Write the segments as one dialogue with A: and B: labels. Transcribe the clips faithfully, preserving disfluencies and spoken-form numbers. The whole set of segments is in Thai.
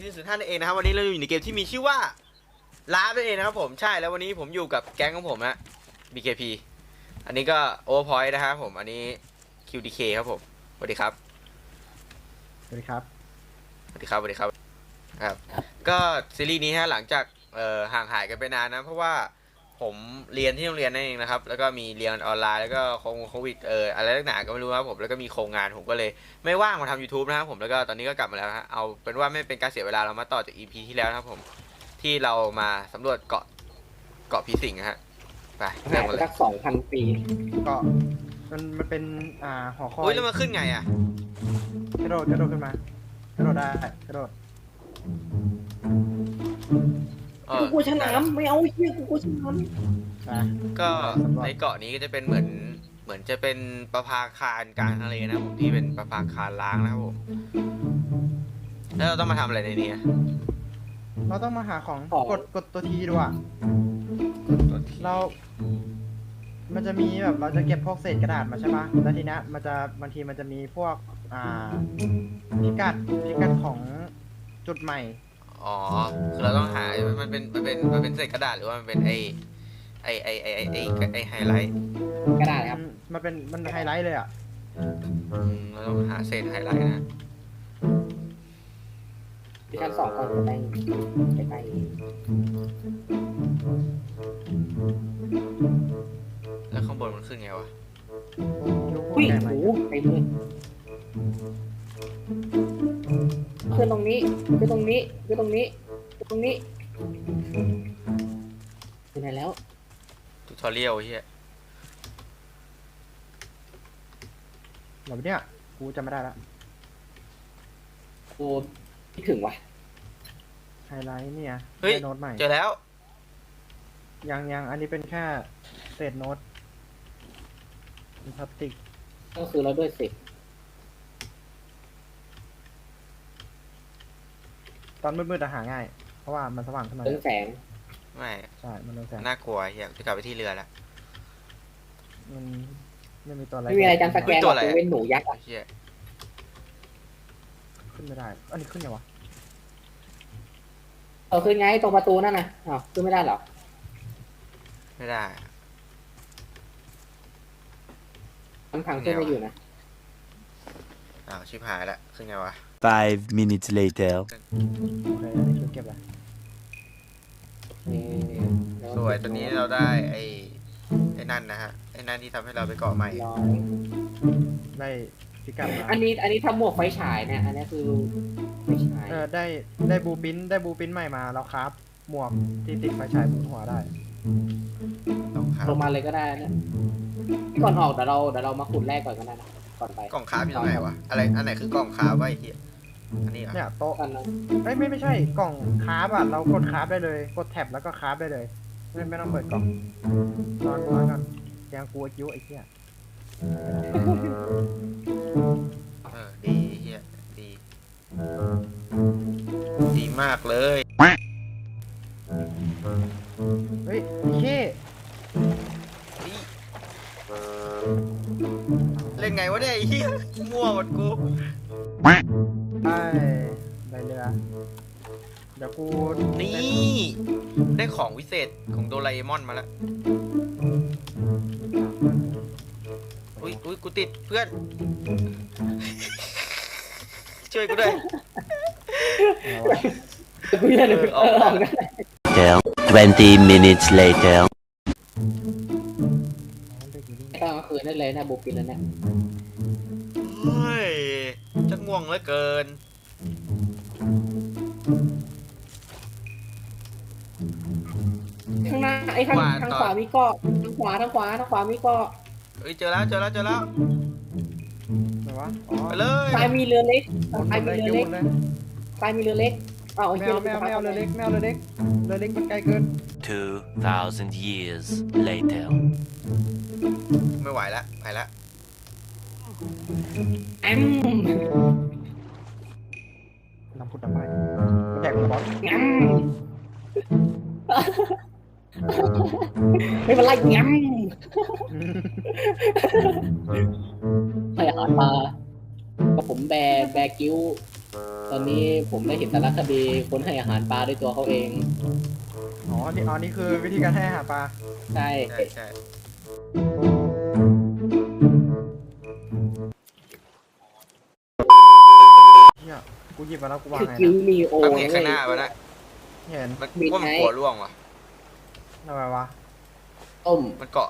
A: ซีซั่นห้านั่นเองนะครับวันนี้เราอยู่ในเกมที่มีชื่อว่าลานั่นเองนะครับผมใช่แล้ววันนี้ผมอยู่กับแก๊งของผมฮะ บี เค พี อันนี้ก็ Overpoint นะครับผมอันนี้ คิว ดี เค ครับผมสวัสดีครับ
B: สวัสดีครับ
A: สวัสดีครับสวัสดีครับครับก็ซีรีส์นี้ฮะหลังจากเอ่อห่างหายกันไปนานนะเพราะว่าผมเรียนที่โรงเรียนนั่นเองนะครับแล้วก็มีเรียนออนไลน์แล้วก็โควิดเอ่ออะไรต่างๆก็ไม่รู้ครับผมแล้วก็มีโครงงานผมก็เลยไม่ว่างมาทำ YouTube นะครับผมแล้วก็ตอนนี้ก็กลับมาแล้วฮะเอาเป็นว่าไม่เป็นการเสียเวลาเรามาต่อจาก อี พี ที่แล้วนะครับผมที่เรามาสำรวจเกาะเกาะผีสิงฮะไปเริ่
C: หาม ย
A: กัน
C: ไป
A: เลย
C: สักสองพันปี
B: ก็มันมันเป็นอ่าหอคอ
A: อุ้ย
B: ย
A: แล้วมันขึ้นไงอ่ะ
B: กระโดดกระโดดขึ้นมากระโดดได้กระโดด
A: เออ
C: กูกลัวฉลามไม่เอาเชี่ยกูกลัวฉลาม
B: อ่ะ
A: ก็ในเกาะนี้ก็จะเป็นเหมือนเหมือนจะเป็นประภาคารกลางทะเลนะครับผมที่เป็นประภาคารล้างนะครับผมแล้วเราต้องมาทำอะไรในนี้อะ
B: เราต้องมาหาของกดกดตัวทีดูอ่ะ
A: ตัวที่
B: เรา มันจะมีแบบเราจะเก็บพวกเศษกระดาษมาใช่ปะแล้วทีเนี้ยมันจะบางทีมันจะมีพวกอ่าพิกัดพิกัดของจุดใหม่
A: อ๋อคือเราต้องหา มันเป็น มันเป็น มันเป็นเศษกระดาษหรือว่ามันเป็นไอไอไอไอไอไอไอไฮไลท์
C: กระดาษครับ
B: มันมันเป็นมันไฮไลท์เลยอ่ะ
A: อืมเราต้องหาเศษไฮไลท์นะ
C: ที่ชั้นสองก่อนจะได้ใกล้
A: แล้วข้างบนมันขึ้นไงวะ
B: ลูก
C: ๆ
B: โป่
C: อุ้
B: ง
C: ย
B: ใหญ่ไหม
C: โอ้ไปเลยขึ้นตรงนี้ขึ้นตรงนี้ขึ้นตรงนี้ขึ้นตรงนี้ไปไหนแล้ว
A: ทูทอเรียลเฮีย
B: เหรอเนี่ยกูจำไม่ได้ละ
C: กูคิดถึงว่ะ
B: ไฮไลท์เนี่ย
A: เฮ้ย
B: ได้โน้ตใหม่
A: เจอแล้ว
B: ยังยังอันนี้เป็นแค่เศษโน้ตเป็นพลาสติก
C: ก็คือเราด้วยสิ
B: ตอนมืดๆอะหาง่าย เพราะว่ามันสว่างขึ้นมา
C: เรื่องแสง
A: ไม่
B: ใช่ มันเรืองแสง
A: น่ากลัวเฮียจะกลับไปที่เรือแล้ว
B: มันไม่มีตัวอะไร
C: ไม่มีอะไรจำสแกนหรอกกูเว้นหนูยักษ์อ่ะ
A: เฮีย
B: ขึ้นไม่ได้ อันนี้ขึ้นยังวะ
C: เออขึ้นไงตรงประตูนั่นน่ะอ้าวขึ้นไม่ได้เหรอ
A: ไม่ได้
C: ทางทางขึ้นไม่อยู่นะ
A: อ้าวชิบหายละขึ้นไงวะ
D: Five minutes later.
B: โอเค อันนี้คือเก็บละ
C: นี่แล้ว
A: สวยตอนนี้เราได้ไอ้ไอ้นั่นนะฮะไอ้นั่นที่ทำให้เราไปเกาะใหม่
C: ร้อย
B: ได้พิกัดมา
C: อันนี้อันนี้ทำหมวกไฟฉายเนี่ย อันนี้คือไฟฉาย
B: เออ ได้ ได้บูปินได้บูปินใหม่มาแล้วครับ หมวกที่ติดไฟฉายบนหัวได้
A: ต้องครับ
C: ลงมาเลยก็ได้นะก่อนออกเดี๋ยวเราเดี๋ยวเรามาขุดแรกก่อนก็ได้นะก่อนไป
A: กล่องคาร์บอยู่ตรงไหนวะอะไรอันไหนคือกล่องคาร์บวะไอ้เหี้ยอันนี้เหรอ
B: เนี่ยโต๊ะ
C: กันนะ
B: ไม่ไม่ไม่ใช่ กล่องคราฟอ่ะ เรากดคราฟได้เลย กดแท็บแล้วก็คราฟได้เลย ไม่ไม่ต้องเปิดกล่องนอนนอนกันยังกลัวกิ้วไอ้เหี้ย
A: เออดีไอ้เหี้ยดีดีมากเลย
B: เฮ้ยไอ้เหี้ย
A: เล่นไงวะเนี่ยไอ้เหี้ยมั่วหมดกู
B: ได้ได้เรือ เดี๋ยวกู
A: นี่ได้ของวิเศษของโดราเอมอนมาแล้วอุ้ยอุ้ยกูติดเพื่อน ช่วยกูด้วย
B: เอาวะ
C: กูจะเดินออกได้
D: Twenty minutes later.
C: ก็กลางคืนได้เลยนะบุกปินแล้วเนี่ย
A: เฮ้ยจะง่วงเหลือเกิน
C: ข้างหน้าไอ้ข้างทางขวามีเกาะทางขวาทางขวาทางขวามีเกาะ
A: เฮ้ยเจอแล้วเจอแล้วเจอแล้ว
B: ไหนวะอ๋อ
A: ไปเลย
C: ซ้ายมีเรือเล็ก
B: หมุน
C: ซ้าย
B: เล
C: มี
B: ย
C: เรือ
B: ห
C: เล็
B: มุ
C: ก
B: นเลย
C: ซ้ายมีเรือเล็กอ้าวไอ้
B: แม
C: เหี้ยว
B: แมวแมวเรือเล็กแมวเรือเล็กเรือเล็กมันไกลเกิน
D: Two thousand years later.
A: ไม่ไหวแล้วไปแล้ว
C: แอม
B: น้ำพุดน้ำไม้มันแดกกูบอส
C: แอมไม่เป็นไรแอมให้อาหารมากับผมแบร์แบร์กิ้วตอนนี้ผมได้เห็นสารคดีคนให้อาหารปลาด้วยตัวเขาเอง
B: อ๋อนี่อ๋อนี่คือวิธีการให้อาหารปลา
C: ใช่
A: ใช่ใช่
B: เฮียกูหยิบมาแล้วกูวาง
C: คือ
B: ไง
C: คิว
B: นะ
C: มีโอ
A: ถ้ามึงเห็นข้างหน้ามันนะ
B: เห็น
A: มันว่ามันกลัวร่วงว่ะ
B: ทำไมวะ
C: ต้ม
A: มันเกาะ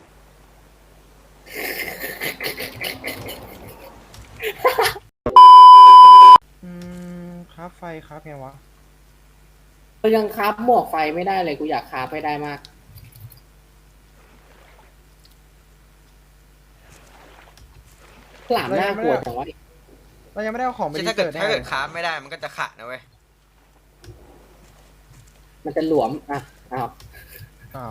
B: อืมคราฟไฟคราฟไงวะ
C: ก็ยังคาบหมวกไฟไม่ได้เลยกูอยากคาบให้ได้มากหลามน่ากลัวจังวะ
B: เรายังไม่ได้เอาของไป
A: ใช่
B: รี
A: ถ้าเกิ
B: เสิ
A: ด
B: ร์ชแน่
A: ถ้า
B: เล
A: เกิ
B: ย
A: ดค้าไม่ได้มันก็จะขะนะเว้ย
C: มันจะหลวมอ่ะอ้าว
B: อ้าว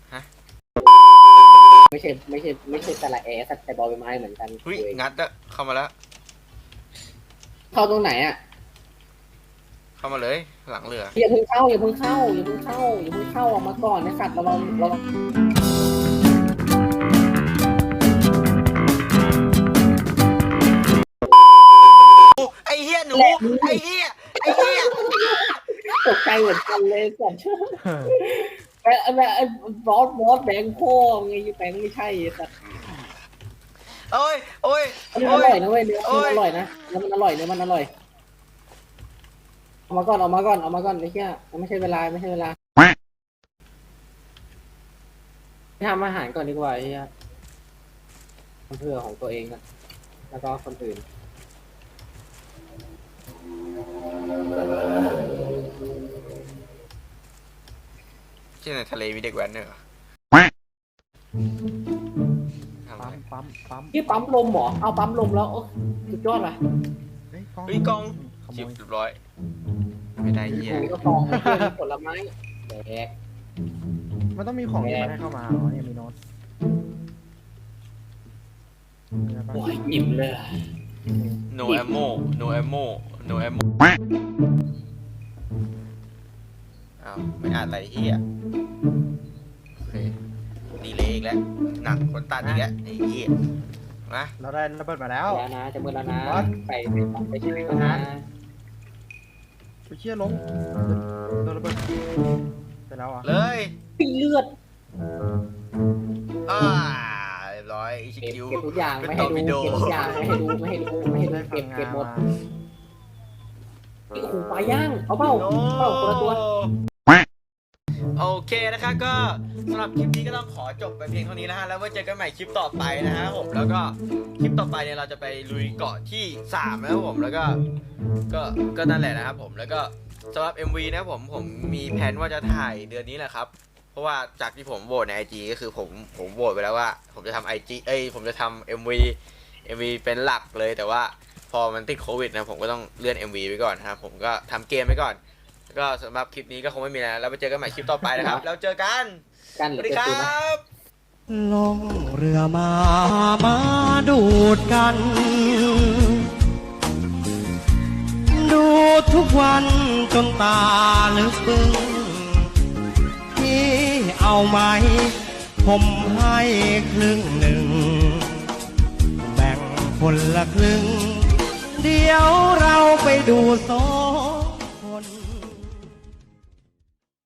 C: ไม่ใช่ไม่ใช่ไม่ใช่สระแอสัตว์แต่บอใบไม้เหมือนกัน
A: เฮ้ยงัดอะเข้ามาแล้ว
C: เข้าตรงไหนอ่ะ
A: เข้ามาเลยหลังเรือ
C: อย่าเพิ่งเข้าอย่าเพิ่งเข้าอย่าเพิ่งเข้าอย่าเพิ่งเข้าออกมาก่อนนะสัตว์ระวังระวัง
A: โอ้ไอ้เหี้ยหนูไอ้เหี้ยไอ้เหี้ย
C: ตกใจเหมือนกันเลยสัตว์ไอ้ไอ้ไอ้บอสบอสแบงค์พ่อไงแบงค์ไม่ใช่สัตว์
A: โอ้ยโอ้ย
C: อันนี้
A: โอ้
C: อย ร่อยนะเว้ยเนื้อ
A: โอ้
C: มัน
A: ย
C: อร่อยนะเนื้อมันอร่อยเนื้อมันอร่อยเอามาก่อนเอามาก่อนเอามาก่อนไอ้เหี้ยมันไม่ใช่เวลาไม่ใช่เวลาทำอาหารก่อนดีกว่าไอ้เหี้ยทำเพื่อของตัวเองนะแล้วก็คนอื่น
A: ที่ในทะเลมีเด็กแว้นเนี่ยเหรอทำอะ
B: ปั๊
A: ไร
B: มปั๊มปั๊ม
C: ที่ปั๊มลมเหรอเอาปั๊มลมแล้วโอ้สุดยอดว่ะ
B: เฮ้ยกล้อง
A: เฮ้ยกอง
B: ขโม
A: จิบ
B: ย
A: เรียบร้อย ไม่ได้เหี้ย
C: กูก็ฟองเพื่อนผลไม้แดก
B: มันต้องมีของที่มันให้เข้ามาอ๋อเนี่ยมีโน้ตเนี่ยปะ
C: โอ้ยอิ่มเลย
A: no ammo no ammo no ammo อ้าวไม่อ่านอะไรเหี้ยโอเคดีเลยอีกแล้วหนักคนตัดอีกแล้วไอ้เหี้ยมา
B: เราได้ระเบิดมาแล้ว
C: แล้วนะจะมือแล้วนะ
B: บอส
C: ไปไปไปชิมกันนะ
B: ไปเชี่ยล้มโดนระเบิดไปแล้วอ่ะ
A: เลย
C: เลือด
A: อ่าเรียบร้อยอิชิ
C: เก็บ
A: คิว
C: เก็บทุกอย่าง
A: เป็น
C: ไม่
A: ต่
C: ให้
A: อ
C: ดู
A: วิดีโอ
C: เก็บทุกอย่างไม่ให้ดูไม่ให้ดูไม่ให้ดู
B: ได้ฟั
C: เก็
B: ง
C: บ
B: งา
C: เก็บ
B: น
C: หมด
B: มา
C: ไอ้ขู่ปลาย่างเอาเปล่า
A: โอ้
C: เปล่าคนละตัว
A: โอเคนะครับก็สำหรับคลิปนี้ก็ต้องขอจบไปเพียงเท่านี้นะฮะแล้วไว้เจอกันใหม่คลิปต่อไปนะฮะผมแล้วก็คลิปต่อไปเนี่ยเราจะไปลุยเกาะที่สามนะครับผมแล้วก็ก็ก็นั่นแหละนะครับผมแล้วก็สำหรับ เอ็ม วี นะครับผมผมมีแผนว่าจะถ่ายเดือนนี้แหละครับเพราะว่าจากที่ผมโหวตใน ไอ จี ก็คือผมผมโหวตไปแล้วว่า ผมจะทำ ไอ จี เอ้ยผมจะทำ เอ็ม วี เอ็ม วี เป็นหลักเลยแต่ว่าพอมันติดโควิดนะผมก็ต้องเลื่อน เอ็ม วี ไว้ก่อนนะครับผมก็ทำเกมไว้ก่อนก็สำหรับคลิปนี้ก็คงไม่มีแล้วแล้วไปเจอกันใหม่คลิปต่อไปนะครับ แล้วเจอกัน
C: กัน
A: ส
C: หรื
A: วั
C: อ
A: สดี
C: เก็บ
A: คร
C: ปืนนะ
A: ับ
E: ลงเรือมา มาดูดกัน ดูทุกวันจนตาลึกบึ้งที่เอาไหม ผมให้ครึ่งหนึ่ง แบ่งคนละครึ่ง เดี๋ยวเราไปดูสองคน